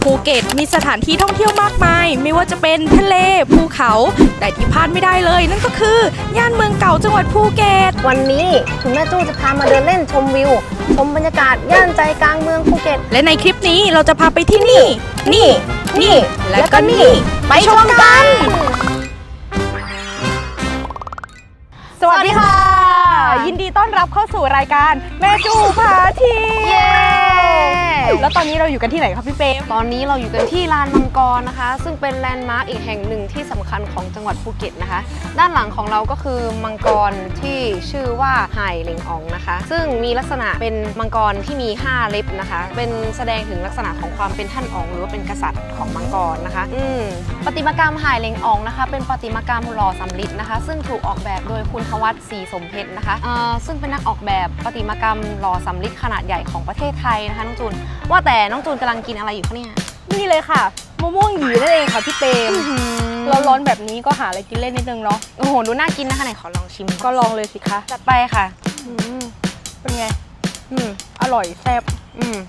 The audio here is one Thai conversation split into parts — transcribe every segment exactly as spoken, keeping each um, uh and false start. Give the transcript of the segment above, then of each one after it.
ภูเก็ตมีสถานที่ท่องเที่ยวมากมายไม่ว่าจะเป็นทะเลภูเขาแต่ที่พลาดไม่ได้เลยนั่นก็คือย่านเมืองเก่าจังหวัดภูเก็ตวันนี้คุณแม่จู้จะพามาเดินเล่นชมวิวชมบรรยากาศย่านใจกลางเมืองภูเก็ตและในคลิปนี้เราจะพาไปที่นี่นี่นี่และก็นี่ไปชมกันสวัสดีค่ะยินดีต้อนรับเข้าสู่รายการแม่จูพาเที่ยวแล้วตอนนี้เราอยู่กันที่ไหนครับพี่เป๊ตอนนี้เราอยู่กันที่ลานมังกรนะคะซึ่งเป็นแลนด์มาร์คอีกแห่งหนึ่งที่สำคัญของจังหวัดภูเก็ตนะคะด้านหลังของเราก็คือมังกรที่ชื่อว่าไห่เหลงอองนะคะซึ่งมีลักษณะเป็นมังกรที่มีห้าเล็บนะคะเป็นแสดงถึงลักษณะของความเป็นท่านอ๋องหรือว่าเป็นกษัตริย์ของมังกรนะคะอืมประติมากรรมไห่เหลงอองนะคะเป็นประติมากรรมหล่อสำริดนะคะซึ่งถูกออกแบบโดยคุณทวัฒน์ศรีสมเพชรนะคะซึ่งเป็นนักออกแบบประติมากรรมหล่อสำริดขนาดใหญ่ของประเทศไทยนะคะน้องจูนว่าแต่น้องจูนกำลังกินอะไรอยู่คะเนี่ยนี่เลยค่ะมะม่วงหยีนั่นเองค่ะพี่เปมร้อนๆแบบนี้ก็หาอะไรกินเล่นนิดนึงเนาะโอ้โหดูน่ากินนะคะไหนขอลองชิมก็ลองเลยสิคะจัดไปค่ะเป็นไงอืมอร่อยแซ่บอืม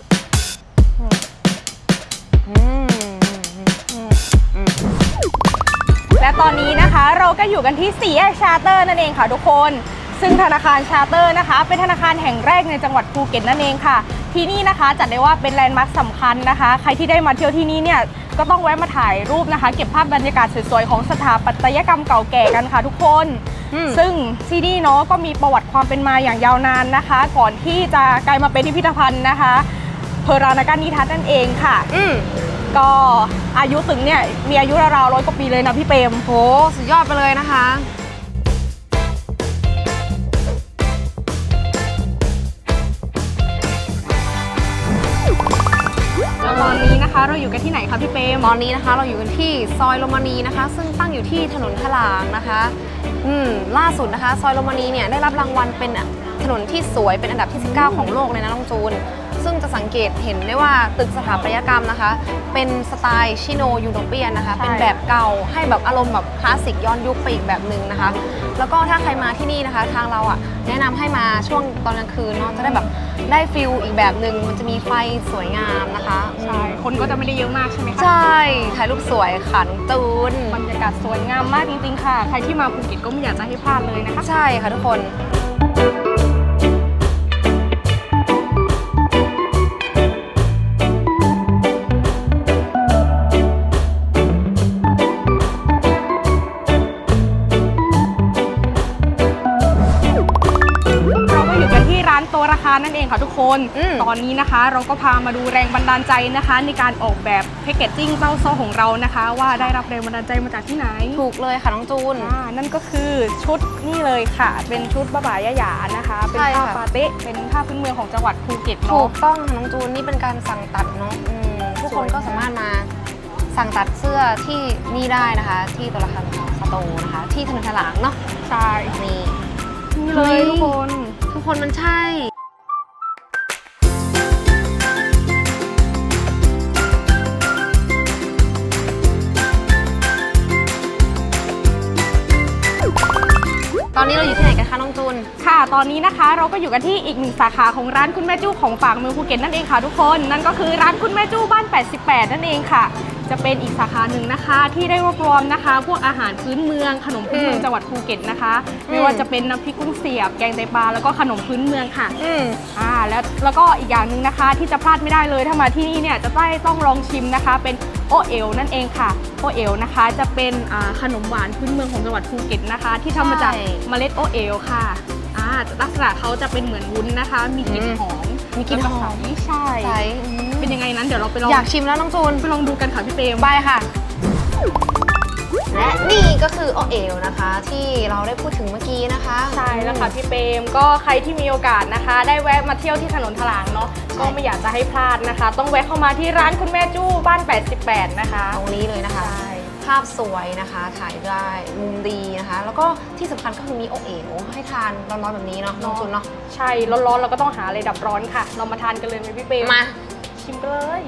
และตอนนี้นะคะเราก็อยู่กันที่สี่แยกชาร์เตอร์นั่นเองค่ะทุกคนซึ่งธนาคารชาร์เตอร์นะคะเป็นธนาคารแห่งแรกในจังหวัดภูเก็ตนั่นเองค่ะที่นี่นะคะจัดได้ว่าเป็นแลนด์มาร์คสำคัญนะคะใครที่ได้มาเที่ยวที่นี่เนี่ยก็ต้องแวะมาถ่ายรูปนะคะเก็บภาพบรรยากาศสวยๆของสถาปัตยกรรมเก่าแก่กันค่ะทุกคนซึ่งที่นี่เนาะก็มีประวัติความเป็นมาอย่างยาวนานนะคะก่อนที่จะกลายมาเป็นพิพิธภัณฑ์นะคะเพอรานาการนิทัศน์นั่นเองค่ะก็อายุถึงเนี่ยมีอายุราวๆร้อยกว่าปีเลยนะพี่เปรมโหสุดยอดไปเลยนะคะตอนนี้นะคะเราอยู่กันที่ไหนคะพี่เปรมตอนนี้นะคะเราอยู่กันที่ซอยโรมานีนะคะซึ่งตั้งอยู่ที่ถนนถลางนะคะอืมล่าสุดนะคะซอยโรมานีเนี่ยได้รับรางวัลเป็นถนนที่สวยเป็นอันดับที่สิบเก้าของโลกเลยนะน้องจูนซึ่งจะสังเกตเห็นได้ว่าตึกสถาปัตยกรรมนะคะเป็นสไตล์ชิโนยูโรเปียนนะคะเป็นแบบเก่าให้แบบอารมณ์แบบคลาสสิกย้อนยุคไปอีกแบบหนึ่งนะคะแล้วก็ถ้าใครมาที่นี่นะคะทางเราอ่ะแนะนำให้มาช่วงตอนกลางคืนเนาะจะได้แบบได้ฟิลอีกแบบหนึ่งมันจะมีไฟสวยงามนะคะใช่คนก็จะไม่ได้เยอะมากใช่ไหมคะใช่ถ่ายรูปสวยขันตูนบรรยากาศสวยงามมากจริงๆค่ะใครที่มาภูเก็ตก็ไม่อยากจะให้พลาดเลยนะคะใช่ค่ะทุกคนโตราคานั่นเองค่ะทุกคนตอนนี้นะคะเราก็พามาดูแรงบันดาลใจนะคะในการออกแบบแพคเกจจิ้งเต้าซ้อของเรานะคะว่าได้รับแรงบันดาลใจมาจากที่ไหนถูกเลยค่ะน้องจูนนั่นก็คือชุดนี่เลยค่ะเป็นชุดบ้าบ่ายะหยานะคะเป็นผ้าปาเต้เป็นผ้าพื้นเมืองของจังหวัดภูเก็ตเนาะถูกต้องค่ะน้องจูนนี่เป็นการสั่งตัดเนาะทุกคนก็สามารถมาสั่งตัดเสื้อที่นี่ได้นะคะที่โตราคาสโตร์นะคะที่ถนนถลางเนาะใช่นี่นี่เลยทุกคนทุกคนมันใช่ตอนนี้เราอยู่ที่ไหนกันคะน้องจูนค่ะตอนนี้นะคะเราก็อยู่กันที่อีกหนึ่งสาขาของร้านคุณแม่จู้ของฝากเมืองภูเก็ตนั่นเองค่ะทุกคนนั่นก็คือร้านคุณแม่จู้บ้านแปดสิบแปดนั่นเองค่ะจะเป็นอีกสาขาหนึ่งนะคะที่ได้รวบรวมนะคะพวกอาหารพื้นเมืองขนมพื้นเมืองจังหวัดภูเก็ตนะคะไม่ว่าจะเป็นน้ำพริกกุ้งเสียบแกงไตปลาแล้วก็ขนมพื้นเมืองค่ะอืมอ่าแล้วแล้วก็อีกอย่างหนึ่งนะคะที่จะพลาดไม่ได้เลยถ้ามาที่นี่เนี่ยจะได้ต้องลองชิมนะคะเป็นโอเอ๋วนั่นเองค่ะโอเอ๋วนะคะจะเป็นขนมหวานพื้นเมืองของจังหวัดภูเก็ตนะคะที่ทำมาจากเมล็ดโอเอ๋วค่ะอ่าลักษณะเขาจะเป็นเหมือนวุ้นนะคะมีกลิ่นหอมมีกลิ่นหอมใช่เป็นยังไงนั้นเดี๋ยวเราไปลองอยากชิมแล้วน้องจูนไปลองดูกันค่ะพี่เปรมไปค่ะและนี่ก็คือโอเอ๋วนะคะที่เราได้พูดถึงเมื่อกี้นะคะใช่แล้วค่ะพี่เปรมก็ใครที่มีโอกาสนะคะได้แวะมาเที่ยวที่ถนนถลางเนาะก็ไม่อยากจะให้พลาดนะคะต้องแวะเข้ามาที่ร้านคุณแม่จู้บ้านแปดสิบแปดนะคะตรงนี้เลยนะคะภาพสวยนะคะถ่ายได้มุมดีนะคะแล้วก็ที่สำคัญก็คือมีโอเอ๋วให้ทานร้อนๆแบบนี้เนาะน้องจูนเนาะใช่ร้อนๆเราก็ต้องหาอะไรดับร้อนค่ะเรามาทานกันเลยไหมพี่เปรมมาชิมกันเลย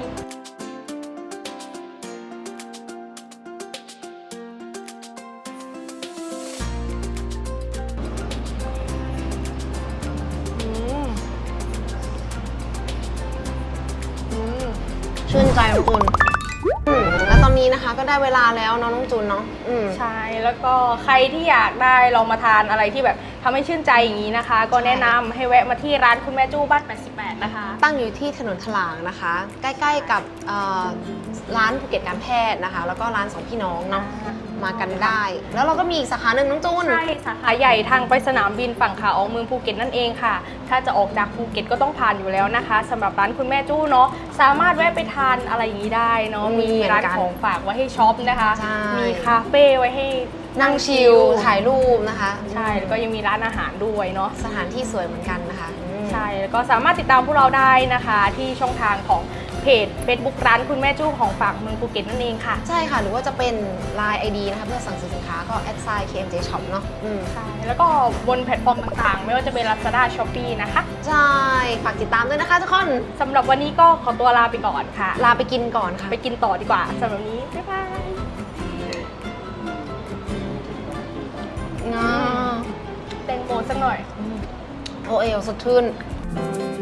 ชื่นใจน้องจูนอืมแล้วตอนนี้นะคะก็ได้เวลาแล้วเนาะน้องจูนเนาะอืมใช่แล้วก็ใครที่อยากได้ลองมาทานอะไรที่แบบทำให้ชื่นใจอย่างนี้นะคะ ก็แนะนำให้แวะมาที่ร้านคุณแม่จู้บ้านแปดสิบแปดนะคะตั้งอยู่ที่ถนนถลางนะคะ ใกล้ๆกับเอ่อร้านภูเก็ตการแพทย์นะคะ แล้วก็ร้านสองพี่น้องเนาะมากันได้ แล้วเราก็มีอีกสาขาหนึ่งน้องจูนใช่สาขาใหญ่ทางไปสนามบินฝั่งขาออกเมืองภูเก็ตนั่นเองค่ะ ถ้าจะออกจากภูเก็ตก็ต้องผ่านอยู่แล้วนะคะสำหรับร้านคุณแม่จู้เนาะสามารถแวะไปทานอะไรอย่างนี้ได้เนาะมีมีร้านเหมือนกันของฝากไว้ให้ช็อปนะคะใช่มีคาเฟ่ไว้ให้นั่งชิลถ่ายรูปนะคะใช่แล้วก็ยังมีร้านอาหารด้วยเนาะสถานที่สวยเหมือนกันนะคะอืมใช่แล้วก็สามารถติดตามพวกเราได้นะคะ ที่ช่องทางของเพจ Facebook ร้านคุณแม่จู้ของฝากเมืองภูเก็ตนั่นเองค่ะใช่ค่ะ หรือว่าจะเป็น ไลน์ ไอ ดี นะคะเพื่อสั่งซื้อสินค้าก็แอดไซน์ เค เอ็ม เจ ช็อป เนาะอืมใช่แล้วก็บนแพลตฟอร์มต่างๆ ไม่ว่าจะเป็น Lazada Shopee นะคะใช่ฝากติดตามด้วยนะคะทุกคนสำหรับวันนี้ก็ขอตัวลาไปก่อนค่ะลาไปกินก่อนค่ะไปกินต่อดีกว่าสำหรับวันนี้ บ๊ายบายงาแตงโมสักหน่อยโอเอลสดชื่น